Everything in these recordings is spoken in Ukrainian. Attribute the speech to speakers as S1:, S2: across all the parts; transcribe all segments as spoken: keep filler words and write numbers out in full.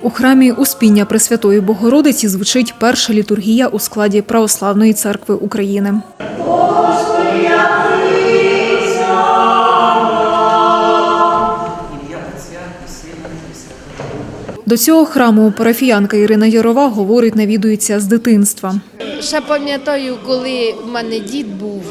S1: У храмі Успіння Пресвятої Богородиці звучить перша літургія у складі Православної церкви України. До цього храму парафіянка Ірина Ярова говорить, навідується з дитинства.
S2: Ще пам'ятаю, коли в мене дід був,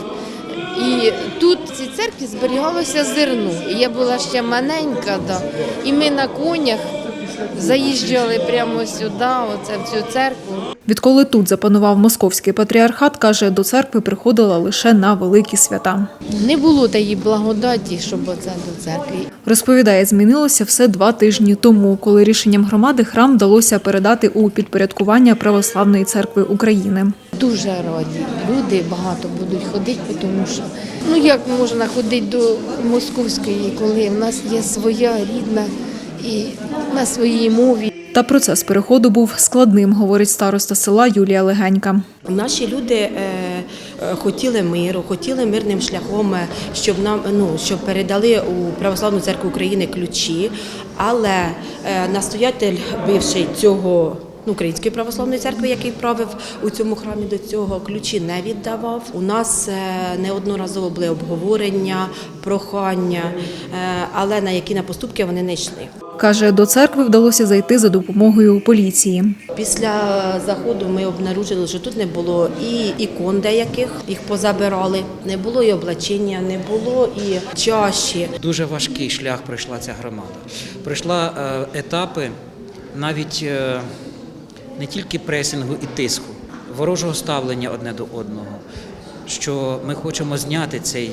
S2: і тут в цій церкві зберігалося зерно. Я була ще маленька, да. І ми на конях заїжджали прямо сюди, оце, в цю церкву.
S1: Відколи тут запанував московський патріархат, каже, до церкви приходила лише на великі свята.
S2: Не було тієї благодаті, щоб оце до церкви.
S1: Розповідає, змінилося все два тижні тому, коли рішенням громади храм вдалося передати у підпорядкування Православної церкви України.
S2: Дуже раді. Люди багато будуть ходити, тому що, ну як можна ходити до московської, коли в нас є своя рідна і на своїй мові.
S1: Та процес переходу був складним, говорить староста села Юлія Легенька.
S3: Наші люди е, е, хотіли миру, хотіли мирним шляхом, щоб нам ну щоб передали у Православну церкву України ключі, але е, настоятель бивший цього ну, Української православної церкви, який правив у цьому храмі до цього, ключі не віддавав. У нас е, неодноразово були обговорення, прохання, е, але на які на поступки вони не йшли.
S1: Каже, до церкви вдалося зайти за допомогою поліції.
S3: Після заходу ми обнаружили, що тут не було і ікон деяких, їх позабирали, не було і облачення, не було і чаші.
S4: Дуже важкий шлях пройшла ця громада. Пройшла е, етапи навіть е, не тільки пресингу і тиску, ворожого ставлення одне до одного, що ми хочемо зняти цей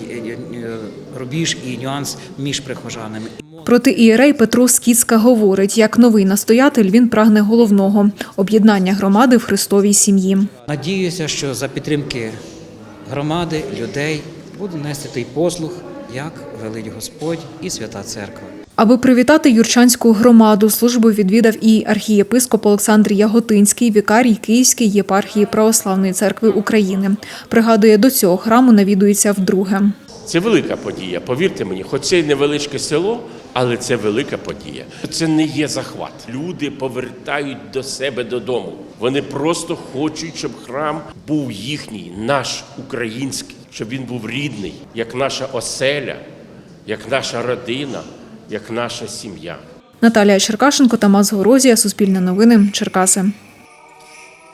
S4: рубіж і нюанс між прихожанами.
S1: Проти ієрей Петро Скіцька говорить, як новий настоятель він прагне головного – об'єднання громади в Христовій сім'ї.
S4: Надіюся, що за підтримки громади, людей буду нести той послуг, як велить Господь і Свята Церква.
S1: Аби привітати юрчанську громаду, службу відвідав і архієпископ Олександр Яготинський, вікарій Київської єпархії Православної церкви України. Пригадує, до цього храму навідується вдруге.
S5: Це велика подія, повірте мені, хоч це й невеличке село, але це велика подія. Це не є захват. Люди повертають до себе додому. Вони просто хочуть, щоб храм був їхній, наш, український, щоб він був рідний, як наша оселя, як наша родина, як наша сім'я.
S1: Наталія Черкашенко, Тамас Горозія, Суспільне новини, Черкаси.